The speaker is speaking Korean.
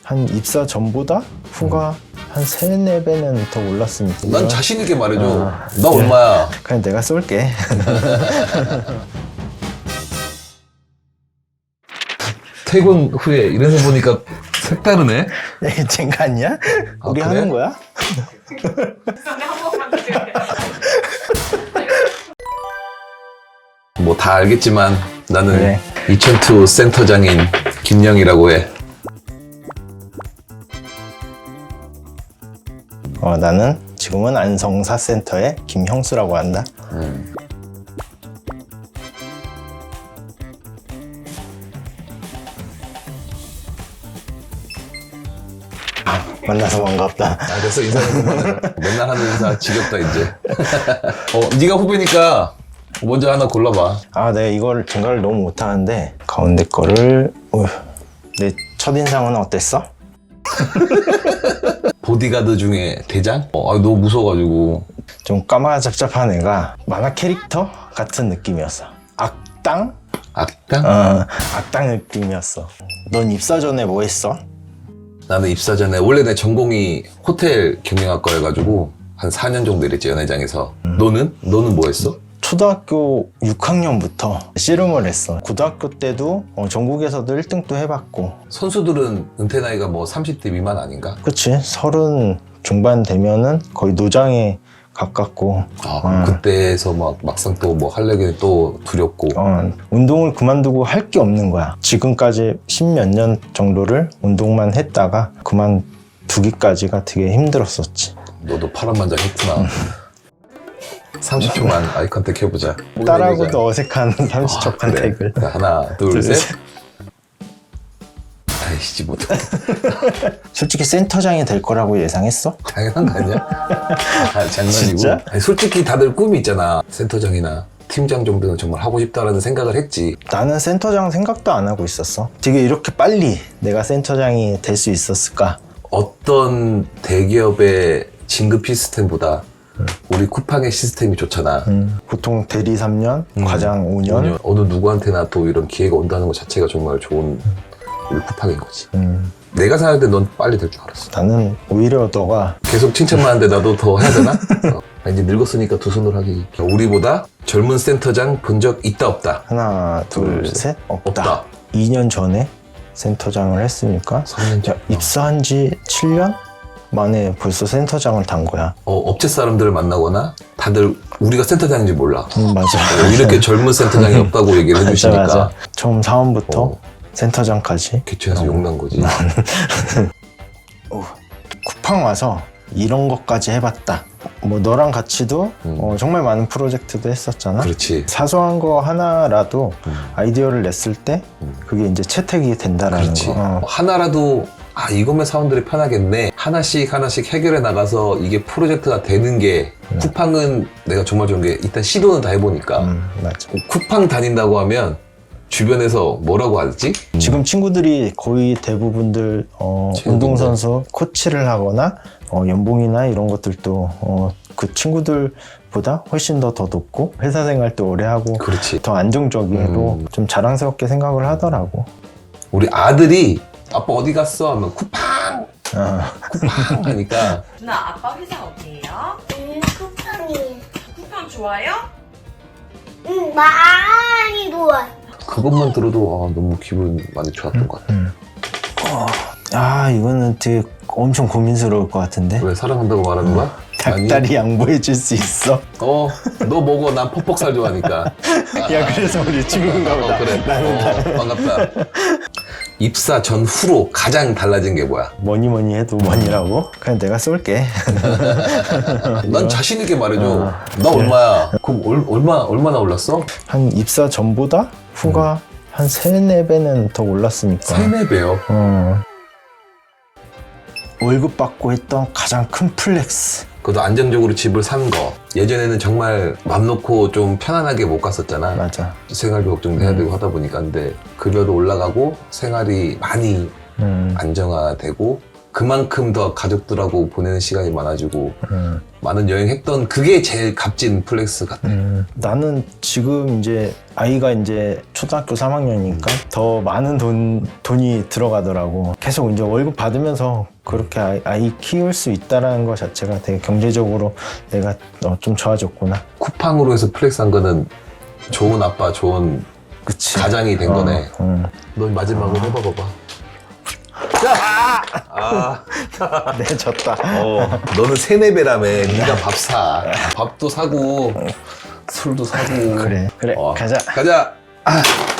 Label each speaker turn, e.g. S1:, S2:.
S1: 한 입사 전보다 후가 한 3, 4배는 더 올랐으니까.
S2: 난 자신 있게 말해줘. 너
S1: 그래.
S2: 얼마야?
S1: 그냥 내가 쏠게.
S2: 퇴근 후에 이래서 보니까 색다르네.
S1: 쟤가 아니야?
S2: 아,
S1: 우리
S2: 그래?
S1: 하는 거야?
S2: 뭐 다 알겠지만 나는
S1: 그래.
S2: 이천투 센터장인 김영이라고 해.
S1: 나는 지금은 안성사센터의 김형수라고 한다. 만나서 반갑다.
S2: 아, 됐어. 인사는 그만해. 맨날 하는 인사 지겹다 이제. 네가 후배니까 먼저 하나 골라봐.
S1: 내가 이걸 생각을 너무 못하는데 가운데 거를 내 첫인상은 어땠어?
S2: 보디가드 중에 대장? 너무 무서워가지고.
S1: 좀 까마잡잡한 애가 만화 캐릭터 같은 느낌이었어. 악당?
S2: 악당?
S1: 악당 느낌이었어. 넌 입사 전에 뭐 했어?
S2: 나는 입사 전에 원래 내 전공이 호텔 경영학과여가지고 한 4년 정도 일했지, 연회장에서. 너는 뭐 했어?
S1: 초등학교 6학년부터 씨름을 했어. 고등학교 때도 전국에서도 1등도 해봤고.
S2: 선수들은 은퇴 나이가 뭐 30대 미만 아닌가?
S1: 그치? 30 중반 되면은 거의 노장에 가깝고.
S2: 그럼 그때에서 막상 또 뭐 하려니 또 두렵고.
S1: 운동을 그만두고 할 게 없는 거야. 지금까지 10몇 년 정도를 운동만 했다가 그만두기까지가 되게 힘들었었지.
S2: 너도 파란만장 했구나. 30초만 아이 컨택 해보자.
S1: 딸하고도 어색한 30초 컨택을.
S2: 그래. 하나, 둘, 셋. 아이씨, 못.
S1: 솔직히 센터장이 될 거라고 예상했어?
S2: 당연한 거 아니야? 장난이고.
S1: 진짜?
S2: 아니, 솔직히 다들 꿈이 있잖아. 센터장이나 팀장 정도는 정말 하고 싶다라는 생각을 했지.
S1: 나는 센터장 생각도 안 하고 있었어. 되게 이렇게 빨리 내가 센터장이 될 수 있었을까?
S2: 어떤 대기업의 진급 시스템보다 우리 쿠팡의 시스템이 좋잖아.
S1: 보통 대리 3년, 과장 5년.
S2: 어느 누구한테나 또 이런 기회가 온다는 것 자체가 정말 좋은 우리 쿠팡인 거지. 내가 생각할 때 넌 빨리 될 줄 알았어.
S1: 나는 오히려 너가
S2: 계속 칭찬만 하는데 나도 더 해야 되나? 이제 늙었으니까 두 손으로 하기. 우리보다 젊은 센터장 본 적 있다 없다?
S1: 하나, 둘,
S2: 둘,
S1: 셋, 없다.
S2: 없다.
S1: 2년 전에 센터장을 했으니까
S2: 3년 전.
S1: 입사한 지 7년 만에 벌써 센터장을 단 거야.
S2: 업체 사람들을 만나거나 다들 우리가 센터장인지 몰라.
S1: 맞아.
S2: 이렇게 젊은 센터장이 없다고 얘기를 해주시니까
S1: 맞아. 처음 사원부터 센터장까지.
S2: 개최해서 욕난 거지.
S1: 쿠팡 와서 이런 것까지 해봤다. 뭐 너랑 같이도 정말 많은 프로젝트도 했었잖아.
S2: 그렇지.
S1: 사소한 거 하나라도 아이디어를 냈을 때 그게 이제 채택이 된다라는
S2: 그렇지.
S1: 거.
S2: 하나라도 이거면 사원들이 편하겠네. 하나씩 해결해 나가서 이게 프로젝트가 되는 게 쿠팡은 내가 정말 좋은 게 일단 시도는 다 해보니까
S1: 맞아.
S2: 쿠팡 다닌다고 하면 주변에서 뭐라고 하지?
S1: 지금 친구들이 거의 대부분들 운동선수 코치를 하거나 연봉이나 이런 것들도 그 친구들보다 훨씬 더 높고 회사 생활도 오래 하고
S2: 그렇지.
S1: 더 안정적이고 좀 자랑스럽게 생각을 하더라고.
S2: 우리 아들이 아빠 어디 갔어? 하면 쿠팡! 쿠팡! 하니까
S3: 누나 아빠 회사 어디예요?
S4: 쿠팡이.
S3: 쿠팡 좋아요?
S4: 많이 좋아.
S2: 그것만 들어도 너무 기분 많이 좋았던 것 같아.
S1: 이거는 되게 엄청 고민스러울 것 같은데.
S2: 왜 사랑한다고 말하는 거야?
S1: 닭다리 양보해 줄 수 있어?
S2: 너 먹어. 난 퍽퍽살 좋아하니까.
S1: 야, 그래서 우리 친구인가 보다.
S2: 그래.
S1: 나는
S2: 반갑다. 입사 전후로 가장 달라진 게 뭐야?
S1: 뭐니 해도 뭐니라고? 그냥 내가 쏠게.
S2: 난 자신 있게 말해줘. 너 얼마야? 그럼 얼마나 올랐어?
S1: 한 입사 전보다 후가 한 3, 4배는 더 올랐으니까.
S2: 3, 4배요?
S1: 월급 받고 했던 가장 큰 플렉스.
S2: 그것도 안정적으로 집을 산 거. 예전에는 정말 맘 놓고 좀 편안하게 못 갔었잖아.
S1: 맞아.
S2: 생활비 걱정도 해야 되고 하다 보니까. 근데 급여도 올라가고 생활이 많이 안정화되고 그만큼 더 가족들하고 보내는 시간이 많아지고 많은 여행했던 그게 제일 값진 플렉스 같아.
S1: 나는 지금 이제 아이가 이제 초등학교 3학년이니까 더 많은 돈이 들어가더라고. 계속 이제 월급 받으면서 그렇게 아이 키울 수 있다라는 것 자체가 되게 경제적으로 내가 좀 좋아졌구나.
S2: 쿠팡으로 해서 플렉스 한 거는 좋은 아빠, 좋은
S1: 그치.
S2: 가장이 된 거네. 넌 마지막으로 해봐봐.
S1: 네, 졌다.
S2: 너는 세네배라며. 네가 밥 사. 밥도 사고 술도 사고.
S1: 그래,
S2: 어,
S1: 가자.
S2: 가자.